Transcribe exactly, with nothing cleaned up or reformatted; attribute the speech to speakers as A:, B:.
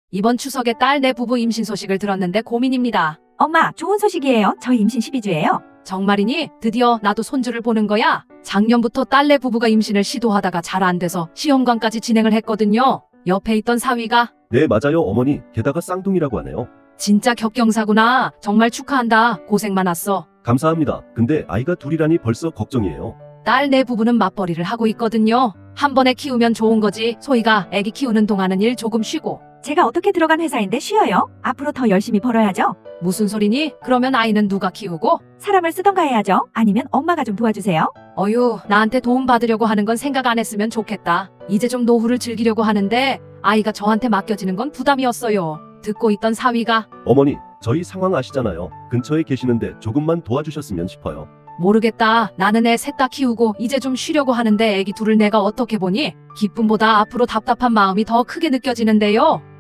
A: 이번 추석에 딸 내 부부 임신 소식을 들었는데 고민입니다.
B: 엄마, 좋은 소식이에요. 저희 임신 십이 주예요.
A: 정말이니? 드디어 나도 손주를 보는 거야? 작년부터 딸 내 부부가 임신을 시도하다가 잘 안 돼서 시험관까지 진행을 했거든요. 옆에 있던 사위가
C: 네, 맞아요, 어머니. 게다가 쌍둥이라고 하네요.
A: 진짜 격경사구나. 정말 축하한다. 고생 많았어.
C: 감사합니다. 근데 아이가 둘이라니 벌써 걱정이에요.
A: 딸 내 부부는 맞벌이를 하고 있거든요. 한 번에 키우면 좋은 거지. 소희가 애기 키우는 동안은 일 조금 쉬고.
B: 제가 어떻게 들어간 회사인데 쉬어요? 앞으로 더 열심히 벌어야죠.
A: 무슨 소리니? 그러면 아이는 누가 키우고?
B: 사람을 쓰던가 해야죠. 아니면 엄마가 좀 도와주세요.
A: 어휴, 나한테 도움 받으려고 하는 건 생각 안 했으면 좋겠다. 이제 좀 노후를 즐기려고 하는데 아이가 저한테 맡겨지는 건 부담이었어요. 듣고 있던 사위가
C: 어머니, 저희 상황 아시잖아요. 근처에 계시는데 조금만 도와주셨으면 싶어요.
A: 모르겠다. 나는 애 셋 다 키우고 이제 좀 쉬려고 하는데 애기 둘을 내가 어떻게 보니? 기쁨보다 앞으로 답답한 마음이 더 크게 느껴지는데요.